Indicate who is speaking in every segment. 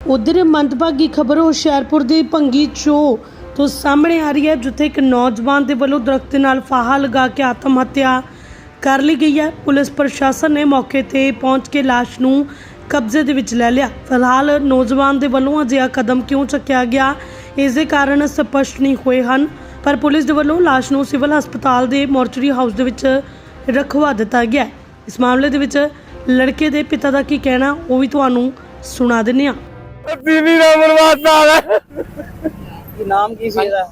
Speaker 1: उधर मंदभागी खबर हुशियारपुर ਦੀ ਭੰਗੀ ਚੋ ਤੋਂ ਸਾਹਮਣੇ ਆ ਰਹੀ ਹੈ, ਜਿੱਥੇ ਇੱਕ ਨੌਜਵਾਨ ਦੇ ਵੱਲੋਂ ਦਰਖਤ ਦੇ ਨਾਲ ਫਾਹਾ ਲਗਾ ਕੇ ਆਤਮ ਹੱਤਿਆ ਕਰ ਲਈ ਗਈ ਹੈ। ਪੁਲਿਸ ਪ੍ਰਸ਼ਾਸਨ ਨੇ ਮੌਕੇ ਤੇ ਪਹੁੰਚ ਕੇ ਲਾਸ਼ ਨੂੰ ਕਬਜ਼ੇ ਦੇ ਵਿੱਚ ਲੈ ਲਿਆ। ਫਿਲਹਾਲ ਨੌਜਵਾਨ ਦੇ ਵੱਲੋਂ ਅਜਿਹਾ ਕਦਮ ਕਿਉਂ ਚੱਕਿਆ ਗਿਆ, ਇਸ ਦੇ ਕਾਰਨ ਸਪਸ਼ਟ ਨਹੀਂ ਹੋਏ ਹਨ, ਪਰ ਪੁਲਿਸ ਦੇ ਵੱਲੋਂ ਲਾਸ਼ ਨੂੰ ਸਿਵਲ ਹਸਪਤਾਲ ਦੇ ਮੋਰਚਰੀ ਹਾਊਸ ਦੇ ਵਿੱਚ ਰਖਵਾ ਦਿੱਤਾ ਗਿਆ। ਇਸ ਮਾਮਲੇ ਦੇ ਵਿੱਚ ਲੜਕੇ ਦੇ ਪਿਤਾ ਦਾ ਕੀ ਕਹਿਣਾ, ਉਹ ਵੀ ਤੁਹਾਨੂੰ ਸੁਣਾ ਦਿੰਦੇ ਹਾਂ।
Speaker 2: ਦੀਦੀ ਦਾ ਬਰਬਾਦਾ ਹੈ
Speaker 3: ਕੀ ਨਾਮ ਕੀ ਸੀ ਇਹਦਾ?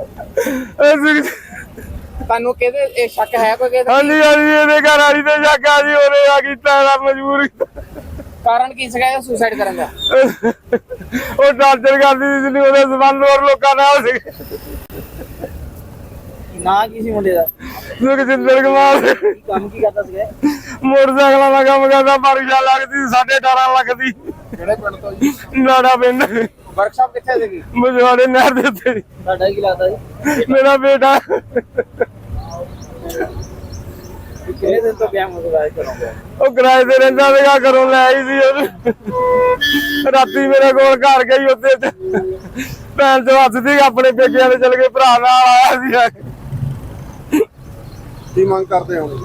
Speaker 3: ਤੁਹਾਨੂੰ ਕਿਹਦੇ ਇਹ ਸ਼ੱਕ ਹੈ ਕੋਈ ਕਿਹਦਾ?
Speaker 2: ਹਾਂਜੀ ਇਹਦੇ ਘਰ ਵਾਲੀ ਤੇ ਸ਼ੱਕ ਆ ਜੀ, ਉਹਨੇ ਆ ਕੀਤਾ ਇਹਦਾ ਮਜਬੂਰੀ।
Speaker 3: ਕਾਰਨ ਕੀ ਸੀਗਾ ਸੁਸਾਈਡ ਕਰਨ ਦਾ?
Speaker 2: ਉਹ ਟਾਰਚਰ ਕਰਦੀ ਸੀ, ਉਹਦੇ ਸਬੰਧ ਹੋਰ ਲੋਕਾਂ ਨਾਲ ਸੀ।
Speaker 3: ਨਾਂ ਕੀ ਸੀ ਮੁੰਡੇ ਦਾ?
Speaker 2: ਸੁਖਜਿੰਦਰ ਕੁਮਾਰ।
Speaker 3: ਕੰਮ ਕੀ ਕਰਦਾ ਸੀਗਾ?
Speaker 2: ਮੋਟਰਸਾਈਕਲਾਂ ਦਾ ਕੰਮ ਕਰਦਾ, ਪਰਚਾ ਲੱਗਦੀ 18.5 ਲੱਖ ਦੀ।
Speaker 3: ਕਿਹੜੇ ਪਿੰਡ ਤੋਂ ਜੀ?
Speaker 2: ਨਾੜਾ ਪਿੰਡ,
Speaker 3: ਵਰਕਸ਼ਾਪ ਕਿੱਥੇ ਸੀਗੀ?
Speaker 2: ਮਜਵਾੜੇ ਨਹਿਰ ਦੇ ਉੱਤੇ।
Speaker 3: ਤੁਹਾਡਾ ਕੀ ਲੱਗਦਾ ਜੀ?
Speaker 2: ਮੇਰਾ ਬੇਟਾ
Speaker 3: ਕਿੰਨੇ ਦਿਨ ਤੋਂ ਗਿਆ ਮੁੰਡਾ ਕਰੋਗੇ?
Speaker 2: ਉਹ ਕਿਰਾਏ ਤੇ ਰਹਿੰਦਾ ਸੀਗਾ, ਘਰੋਂ ਲੈ ਆਈ ਸੀ ਉਹਨੂੰ। ਰਾਤੀ ਮੇਰੇ ਕੋਲ ਘਰ ਗਈ, ਉੱਤੇ ਭੈਣ ਚੋਂ ਹੱਸਦੀ ਆਪਣੇ ਪੇਕਿਆਂ ਦੇ ਚਲ ਗਏ, ਭਰਾ ਨਾਲ ਆਇਆ ਸੀ।
Speaker 4: ਕੀ ਮੰਗ ਕਰਦੇ ਹੋ?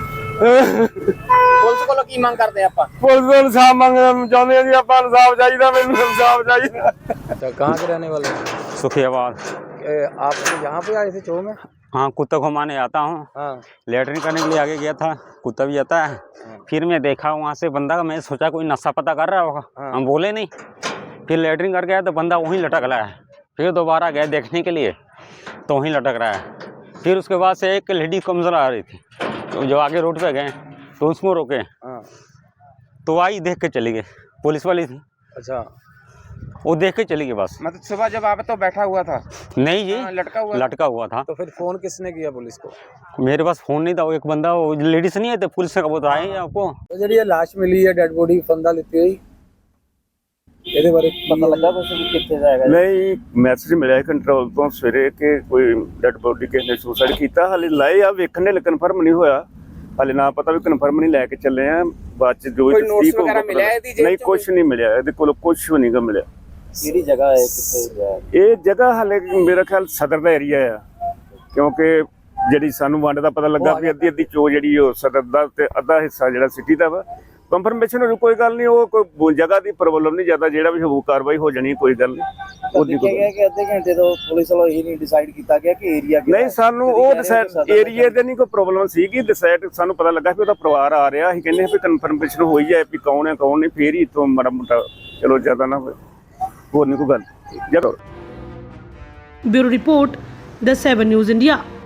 Speaker 3: ਪੁਲਿਸ ਕੋਲੋਂ ਕੀ ਮੰਗ ਕਰਦੇ ਆਪਾਂ?
Speaker 2: ਪੁਲਿਸ ਤੋਂ ਇਨਸਾਫ ਮੰਗਣਾ ਚਾਹੁੰਦੇ ਆ ਜੀ, ਆਪਾਂ ਇਨਸਾਫ ਚਾਹੀਦਾ, ਮੈਨੂੰ ਇਨਸਾफ चाहिए।
Speaker 3: अच्छा, कहाँ के रहने वाले?
Speaker 5: सुखियाबाद।
Speaker 3: आप यहाँ पे आए थे चो में?
Speaker 5: हाँ, कुत्ता घुमाने आता हूँ।
Speaker 3: हाँ।
Speaker 5: लेटरिन करने के लिए आगे गया था, कुत्ता भी आता है। फिर मैं देखा वहाँ से बंदा, मैं सोचा कोई नशा पता कर रहा होगा।
Speaker 3: हाँ।
Speaker 5: हम बोले नहीं। फिर लेटरिन करके आया तो बंदा वहीं लटक रहा है। फिर दोबारा गए देखने के लिए तो वहीं लटक रहा है। फिर उसके बाद से एक लेडी कमजोर आ रही थी, तो जो आगे रोड पे गए तो उसको रोके।
Speaker 3: हाँ।
Speaker 5: तो आई देख के चली गई, पुलिस वाली थी।
Speaker 3: अच्छा,
Speaker 5: वो देख के चली गई बस।
Speaker 3: मतलब सुबह जब आप तो बैठा हुआ था?
Speaker 5: नहीं जी,
Speaker 3: लटका हुआ?
Speaker 5: लटका हुआ था।
Speaker 3: तो फिर फोन किसने किया पुलिस को?
Speaker 5: मेरे पास फोन नहीं था, वो एक बंदा, वो लेडीज नहीं आते पुलिस से, वो तो आए आपको।
Speaker 3: तो जी ये लाश मिली है, डेड बॉडी फंदा लेती हुई, ਇਹਦੇ ਬਾਰੇ ਪਤਾ ਲੱਗਾ ਕੁਝ ਵੀ ਕਿੱਥੇ ਦਾ ਹੈਗਾ?
Speaker 4: ਨਹੀਂ, ਮੈਸੇਜ ਮਿਲਿਆ ਕੰਟਰੋਲ ਤੋਂ ਸਵੇਰੇ ਕਿ ਕੋਈ ਡੈਡ ਬੋਡੀ ਕਿਸੇ ਨੇ ਸੁਸਾਈਡ ਕੀਤਾ। ਹਾਲੇ ਲਾਏ ਆ ਵੇਖਣੇ, ਲੈ ਕਨਫਰਮ ਨਹੀਂ ਹੋਇਆ ਹਾਲੇ, ਨਾ ਪਤਾ ਵੀ ਕਨਫਰਮ ਨਹੀਂ ਲੈ ਕੇ ਚੱਲੇ ਆ। ਬਾਅਦ ਚ ਜੋ
Speaker 3: ਕੋਈ ਨੋਟਸ ਵਗੈਰਾ ਮਿਲਿਆ ਇਹਦੀ ਜੇਬ
Speaker 4: ਨਹੀਂ,
Speaker 3: ਚ?
Speaker 4: ਕੁਝ ਨਹੀਂ ਮਿਲਿਆ, ਇਹਦੇ ਕੋਲ ਕੁਝ ਵੀ ਨਹੀਂ ਗਾ ਮਿਲਿਆ।
Speaker 3: ਕਿਹੜੀ ਜਗ੍ਹਾ ਹੈ, ਕਿੱਥੇ ਹੈ
Speaker 4: ਇਹ ਜਗ੍ਹਾ ਹਾਲੇ ਮੇਰਾ ਖਿਆਲ ਸਦਰ ਦਾ ਏਰੀਆ ਆ, ਕਿਉਂਕਿ ਜਿਹੜੀ ਸਾਨੂੰ ਵੰਡ ਦਾ ਪਤਾ ਲੱਗਾ ਵੀ ਅੱਧੀ ਚੋ ਜਿਹੜੀ ਉਹ ਸਦਰ ਦਾ ਤੇ ਅੱਧਾ ਹਿੱਸਾ ਜਿਹੜਾ ਸਿਟੀ ਦਾ ਵਾ। ਕੰਫਰਮੇਸ਼ਨ ਹੋਣੀ ਕੋਈ ਗੱਲ ਨਹੀਂ, ਉਹ ਕੋਈ ਜਗ੍ਹਾ ਦੀ ਪ੍ਰੋਬਲਮ ਨਹੀਂ, ਜ਼ਿਆਦਾ ਜਿਹੜਾ ਵੀ ਹੋਊ ਕਾਰਵਾਈ ਹੋ ਜਾਣੀ, ਕੋਈ ਗੱਲ ਨਹੀਂ। ਉਹਦੀ ਕੋਈ
Speaker 3: ਕਿ ਅੱਧੇ ਘੰਟੇ ਤੋਂ ਪੁਲਿਸ ਵੱਲੋਂ ਇਹ ਨਹੀਂ ਡਿਸਾਈਡ ਕੀਤਾ ਗਿਆ ਕਿ ਏਰੀਆ
Speaker 4: ਨਹੀਂ, ਸਾਨੂੰ ਉਹ ਡਿਸਾਈਡ ਏਰੀਏ ਦੇ ਨਹੀਂ ਕੋਈ ਪ੍ਰੋਬਲਮ ਸੀਗੀ। ਡਿਸਾਈਡ ਸਾਨੂੰ ਪਤਾ ਲੱਗਾ ਵੀ ਉਹਦਾ ਪਰਿਵਾਰ ਆ ਰਿਹਾ, ਅਸੀਂ ਕਹਿੰਦੇ ਵੀ ਕਨਫਰਮੇਸ਼ਨ ਹੋਈ ਜਾਏ ਵੀ ਕੌਣ ਹੈ ਕੌਣ ਨਹੀਂ, ਫੇਰ ਹੀ ਇੱਥੋਂ ਮਾੜਾ ਮੋਟਾ ਚਲੋ ਜ਼ਿਆਦਾ ਨਾ ਹੋਏ, ਹੋਰ ਨਹੀਂ ਕੋਈ ਗੱਲ। ਜਦੋਂ
Speaker 1: bureau report, The 7 News India।